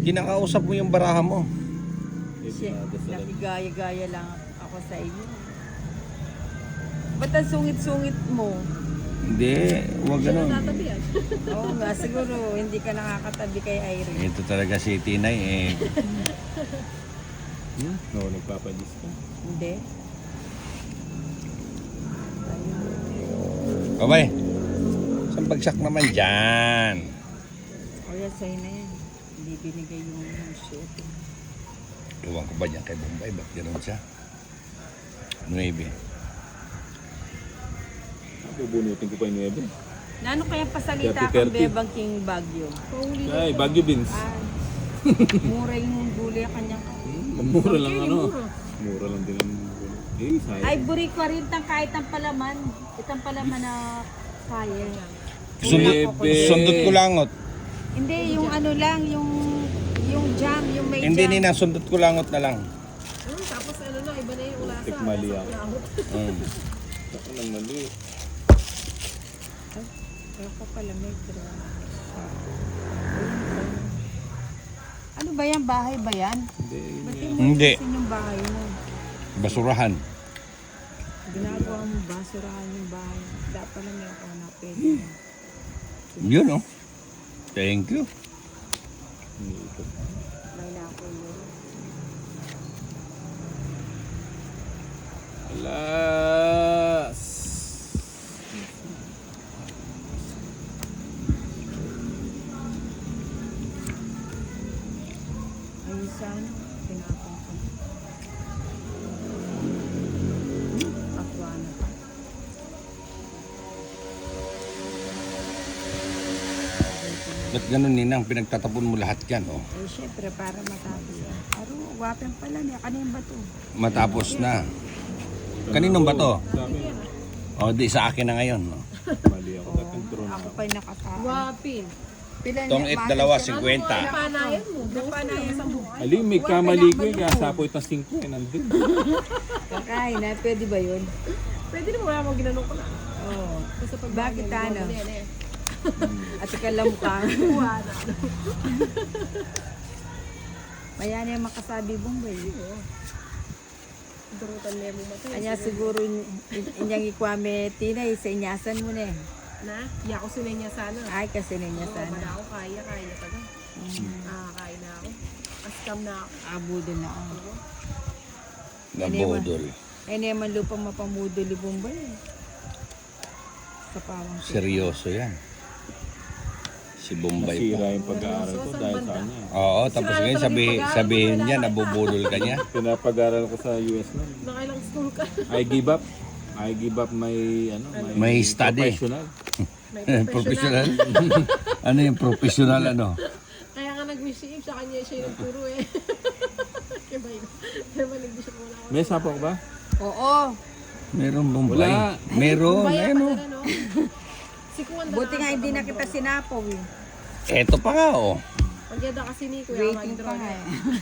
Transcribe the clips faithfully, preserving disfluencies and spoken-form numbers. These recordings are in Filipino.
Kinakausap mo yung baraha mo. Siya, nakigaya-gaya lang ako sa inyo. Ba't ang sungit-sungit mo? Hindi, huwag ganun. Oo nga, siguro hindi ka nakakatabi kay Irene. Ito talaga si Tinay eh. Hmm? No, nagpapadis ka. Hindi. Kabay, saan bagsak naman dyan? O yan, sa'yo na yan. Hindi binigay yung shoot. Tuwang ko ba dyan kay Bombay? Ba't gano'n siya? Nuebe. Bubunutin ko pa yung nuebe. Nano kaya pasalita thirty, kang thirty. Bebang King Bagyo? Ay, Baguio Beans. Ah, mura yung gulay kanyang. Mura lang ano. Mura lang din ang gulay. Eh, sayang. Ay, buri ko rin tang kahit ang palaman. Itang palaman na kaya. Sundot, Nuebe. sundot ko langot. Hindi, yung ano lang, yung yung jam, yung may Hindi jam. nina, sundot ko langot na lang. Hmm, tapos ano na, iba na yung ulasa. Tikmali ako. Mm. Ako lang mali. Ako pala may pero... Ano ba yan? Bahay ba yan? Hindi, yun Ba't yan. yung Hindi. mo yung bahay mo? Basurahan. Ginagawa mo ba? Surahan yung bahay. Dapat pala may ako na pwede. Yun oh. Thank you. Iniikot. May na ako yun. Alas! Ayun sana. Pinapang ko. Akwa na pa. Ba't ganun ninang? Pinagtatapon mo lahat yan oh. Eh, syempre, para matapos yan. Aro, wapang pala niya. Kanina ba to? Matapos na. Kaninong ba to? Sa akin, O di sa akin na ngayon. No? mali ako. Dapat drone Ako ako. pa'y nakatao. Wapin. Pila Tong niya, it mahal dalawa, siya. cinquenta. Napanayan mo. Napanayan mo. Ali, may kamali ko eh. Kaya sapo itong singko eh. Nandun. Kakain na, pwede ba yun? Pwede naman wala mo ginanong ko na. Oo. Basta pag Bakit ano? Yan eh. At ikalam ka. Wala. Maya na yung makasabi Bombay. Durutan niya mo matay. Kanya siguro in- in- inyang ikwame tinay sa inyasan mo na eh. Na, iya ko sinay niya sana. Ay kasi na niya Oo, sana. wala ako kaya, kaya taga. Ah, kaya na ako. Askam na ako. Abudo na ako. Nabodol. Eh naman lupa mapamudo ni Bombay eh. Sa pawang siya. Seryoso yan. Si Bombay Nasira po. yung pag-aaral ko dahil sa kanya. Oo, tapos ngayon sabi, sabihin niya, nabubulol ka niya. Pinapag-aaral ko sa U S na. Nakailang school ka. I give up. I give up my ano, May study. professional. May Professional. Ano yung professional ano? Kaya nga nag-receive sa kanya siya yung nagturo eh. Kaya ba yun? Kaya ba nag-receive mo na ako? May sapo ko ba? Oo. Meron Bombay. Wala. Meron. Kaya Ayun pa oh. na no? Si Kuwanda Buti nga hindi na kita sinapaw eh. Eto pa nga oh. Magyada kasi ni Kuya Waiting pa Mag-draw nga na. eh.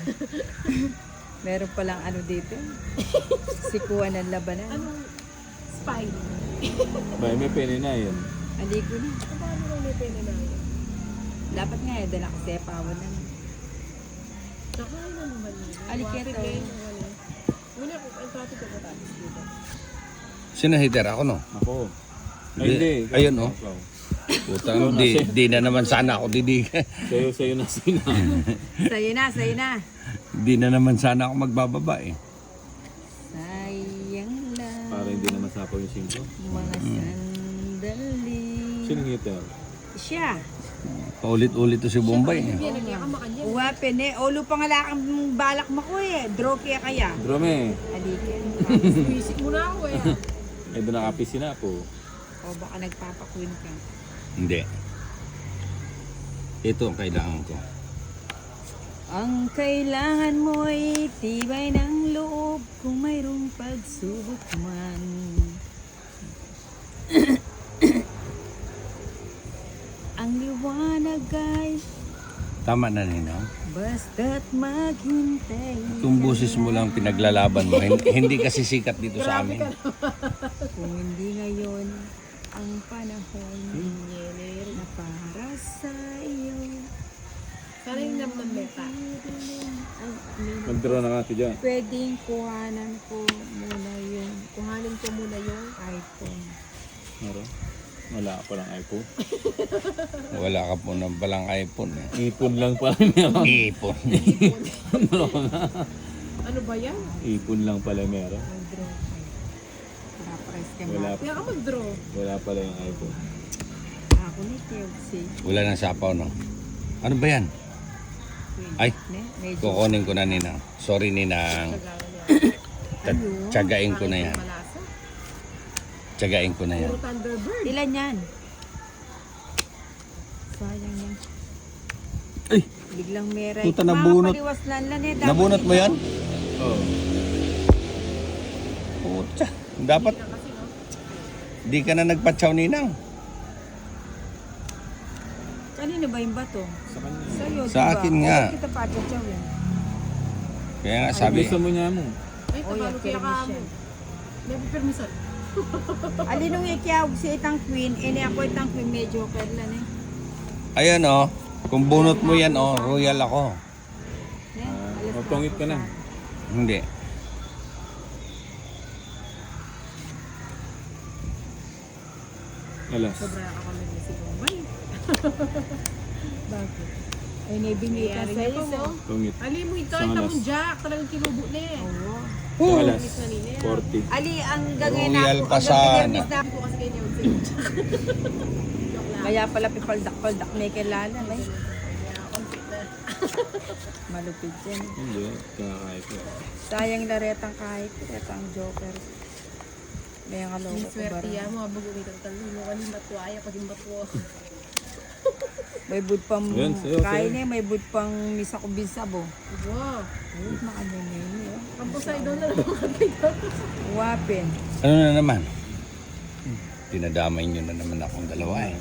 Meron palang ano dito. Sikuan ng labanan. Anong spy? Ba, may pene na yun. Hindi ko na. Paano lang may pene na yun? Dapat nga eh, dala ko sepawan na. Nakain na naman yun. Alikete. Wapit ngayon, ano. Muna ko, ang traffic ko tapos dito. Sino hitter? Ako no? Ako. Ay, Hindi. hindi. Ayun, oh. Ikaw. Putang, di, di na naman sana ako didigan. Sa'yo, sa'yo na sina. Sa'yo na, sa'yo na. Di na naman sana ako magbababa eh. Sayang lang Para hindi naman sapo yung singko. mga sandali. Sino hitter? Siya. Paulit-ulit to si Bombay eh. Yan, nagyakam makanya. Uwapin eh. Olo pa nga lakang balak mo ko eh. Draw kaya kaya. Drome. Alikin. Visit mo na ako eh. Eh, doon nakapisi na po. O baka nagpapakwin ka. Hindi. Ito ang kailangan ko. Ang kailangan mo ay tibay ng loob kung mayroong pagsubok man. Ang liwanag ay Tama na Ninang. basta't maghintay. Kung busis mo lang pinaglalaban mo, hin- hindi kasi sikat dito sa amin. Kung hindi ngayon ang panahon na para sa iyo. Sana yung naman meta. Mag-draw na ka dyan. Pwedeng kuhanan ko muna yung Kuhanin ko muna yung iPhone. Meron? Wala ka palang iPhone. Wala ka po ng balang iPhone eh. Ipon lang pala meron. Ipon. ano ba yan? Ipon lang pala meron. Mag-draw kayo. Para press ka Wala, Kaya ka mag-draw. wala pala yung iPhone. Ako ni Kelsey. Wala nang sapaw, no? Ano ba yan? Ay, Ne? Medyo. kukunin ko na, Ninang. Sorry, Ninang. Ta- Tsagain ko na yan. Malasa. Tsagain ko na yan. Puro Thunderbird. Ilan yan? Sayang yan. Ay! Biglang meray. Puta, nabunot. Mapaliwas lang lang eh. Dapat Nabunot mo ikaw. yan? Oo. Puta. Dapat di ka na nagpatsaw, Ninang. Kanino ba yung bato? Sa kanya. Sa'yo, Sa diba? akin nga. Oo, kita patsaw yan. Kaya nga Sabi. sabi, Gusto mo niya mo. Ay, Oh, tabalo yan, kaya ka mo. permission. May permission. Alinong ikiawag si itang queen, ini ako itang queen, medyo kerlan eh. ayan oh, kung bunot mo yan oh, royal ako. Ne? Ah, Alas magpangit ka na. Hindi. Alas. Sobra ka kami ni si Bombay. Bakit? Ay, naibingi ka Nangyari sa'yo. niya po. Pangit. Ali mo ito, Isang ito alas. mong jack. Talagang kinubo na eh. Oo. Sa alas. Pangit na nila. forty. Ali, ang gagawin na Royal ako, pa ang sana. gagawin na Hindi ko kasi kayo yung jack. Kaya pala pipaldak-paldak may kilala. May malupit yan. Hindi. Kakakaya ko. Sayang laretang kahit laretang joker. May ang kaloko ko Swerte bara. yan mo. Habang umitang talo mo. Kanin matuaya. Pag yung matuwa. May bud pang Yan, sa'yo, kain sa'yo. eh, may bud pang misa ko bisabo. Wow. Ay, maano na yun eh. Ang pusay doon na naman katay Wapin. Ano na naman? Dinadamay nyo na naman akong dalawa eh.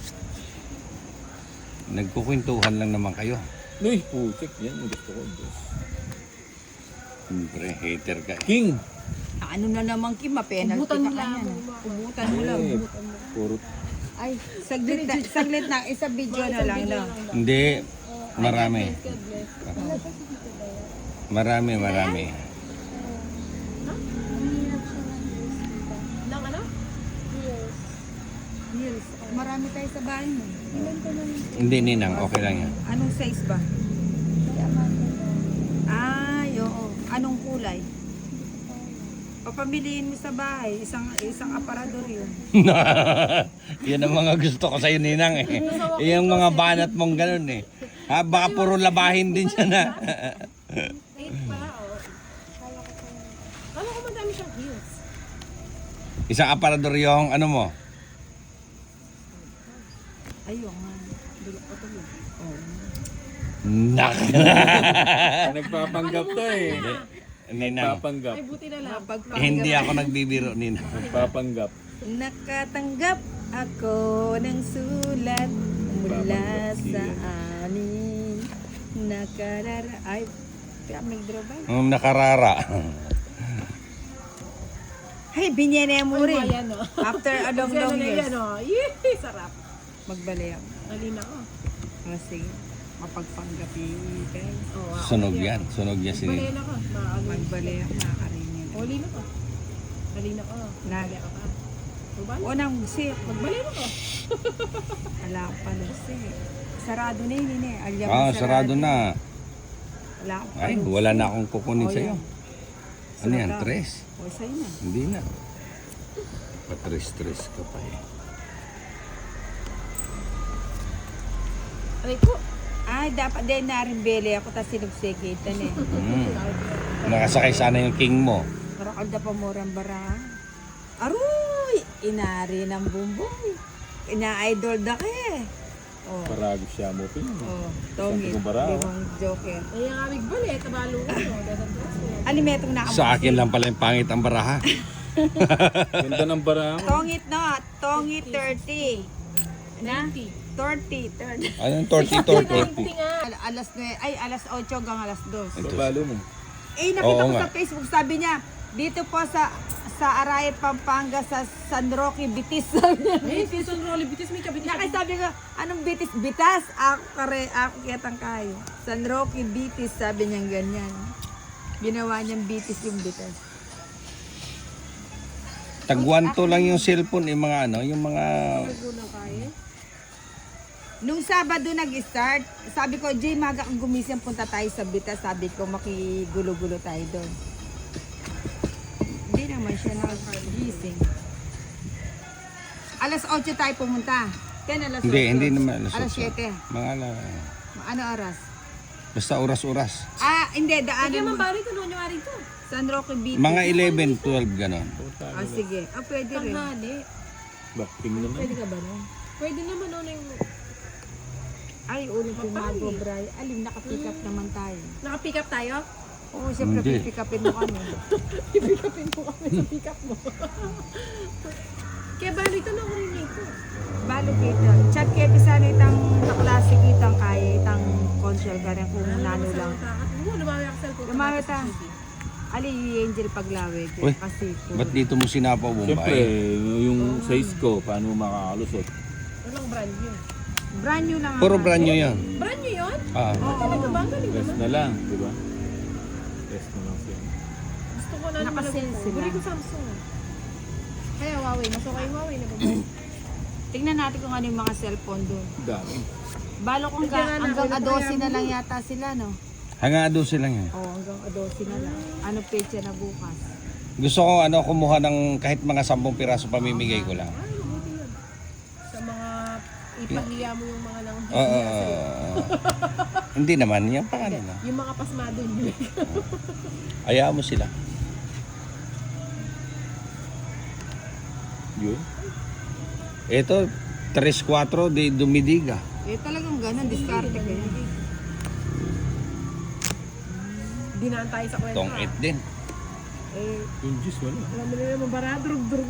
Nagkukwentuhan lang naman kayo. Uy, putik. Yan ang gusto ko. Diyos. Siyempre, hater ka eh. King! Ano na naman Kim, penalty Ubutan ka mo lang. kanyan. Ubutan mo lang. Eh, puro. Ay, saglit na, saglit na, isa video na lang no. Hindi, marami. God bless. Marami, marami. Nang ano? Yes. Marami tayo sa bahay mo. Hindi, Ninang, okay lang yan. Anong size ba? Ay, oo. Anong kulay? Papamiliin mo sa bahay, isang isang aparador yun. Yan ang mga gusto ko sa'yo, Ninang eh. Yung mga banat mong ganun eh. Ha, baka puro labahin din siya na. Eight pa, oh. Kala ko madami siyang heels. Isang aparador yung ano mo. Ayun nga. Dulok pa tuloy. Oh. Nak. Nagpapanggap to eh. Ninang, Nagpapanggap. Ay, buti na lang. hindi ako nagbibiro, Ninang. Nagpapanggap. Nakatanggap ako ng sulat mula sa amin. Nakarara... Ay, kaya may draw ba? Um, nakarara. Ay, binyene mo Ay, rin. ayan, oh. After a long, Kasi ano long na years. yan, oh. Yee, sarap. Magbalik ako. Alin ako. Kasi mapagpanggapi guys. Oh, wow. Sunog yan. Sunog yan si Balayan Ninang. ako. Maano. Magbalik ako, nakakarinig. Oli na ko. Alin ako. Na. Balayan ako pa. Diba? O nang sip. Magbalayan ako. Wala ko pala sip. Sarado na yun yun eh. Alyam Ah, sarado na. Wala ko Ay, pala. wala na akong kukunin Oh, sa'yo. yan. Ano yan? Sarado. Tres? O sa'yo na. Hindi na. Patres-tres ka pa eh. Aray ko. Ay, dapat din na rin beli ako tapos sinubsigitan eh. Mm. Nakasakay sana yung king mo. Karakalda pa murang bara. Aroy! Inari ng bumbong. Ina-idol da ka eh. Oh, Paragos siya mo. Pin. oh, tongit. Sabi ko bara, oh. Limang joker. Ay, ang amig balit. Tabalo ko. Dadan ko. Alimetong na Sa akin lang pala yung pangit ang baraha. Ganda ng bara mo. Tongit no, tongit thirty. Na? ninety. thirty, thirty. Anong torty torty? ninety nga. Al- alas nine, ay alas eight hanggang alas two. Ito. Palo mo. Eh, nakita Oo ko nga. sa Facebook, sabi niya, dito po sa sa Arayat, Pampanga, sa San Roque, Bitis. Sabi niya. Eh, Susan Rolly Bitis. May kabitis. Nakay sabi ko, anong Bitis? Bitas? Ako kare, ako kitang kayo. San Roque, Bitis, sabi niya ganyan. Ginawa niyang bitis yung bitas. Tagwanto lang yung cellphone, yung mga ano, yung mga... Unang kaya. Nung Sabado nag-start, sabi ko, Jay, maga kang gumising, punta tayo sa bitas. Sabi ko, makigulo-gulo tayo doon. Hindi naman siya nakagising. Alas otso tayo pumunta. Ten, alas Hindi, otso. hindi naman. Alas siyete. Mga ala, Ano oras? basta oras-oras. Ah, hindi, Hindi daanan naman mo. bari ko noon yung ari to. San Roque Beach. Mga eleven, twelve, ganon. Ah, sige. Ah, pwede rin. Tanghali. Bakting naman. Pwede ka ba nun? Pwede naman noon yung... Ay, ulit yung Mapali. mago, Bray. Alim, nakapick up naman tayo. Naka-pick up tayo? Oo, siyempre, Hindi. pipick upin mo kami. I-pick upin mo kami sa pick up mo. Kaya bali ito na ko rin ito. Balo kita. Chat kaya pisana itang kaklase kitang kaya itang consul ka rin kung nano lang. Oo, lumami ako sa cellphone. Lumami ta. Ali, Angel paglawig. Uy, Kasi, ba't dito mo sinapaw, Siyempre, Bombay? yung size ko, paano mo makakalusot? Walang brand new. brand new lang. Puro ang- brand new yan. Brand new yun? Ah. Oo. Talaga ba? Ang galing Rest naman. na lang, di ba? Rest na lang siya. Gusto ko na naman. Nakasale sila. Buri ko Samsung. Kaya Huawei. Mas okay yung Huawei na ba? Tingnan natin kung ano yung mga cellphone doon. Dami. Balo kung Tingnan ga, na, hanggang wala pa adosi yan. na lang yata sila, no? Hanga doon lang yan. Oo, hanggang adosi na lang. Ano pecha na bukas? Gusto ko ano kumuha ng kahit mga sampung piraso pamimigay ko lang. Ay, mabuti yun. Sa mga ipahiya mo yung mga nang Oo. oo, oo. Hindi naman, yan pa ano na. Yung mga pasmado yun. Ayaw mo sila. Yun. Ito, tres cuatro de Dumidiga. Eh, talagang ganun, diskarte ko yun. Dinaan tayo sa kwento. Tong ah. it din. Eh, Yung juice, wala. Alam mo na naman, bara, drug-drug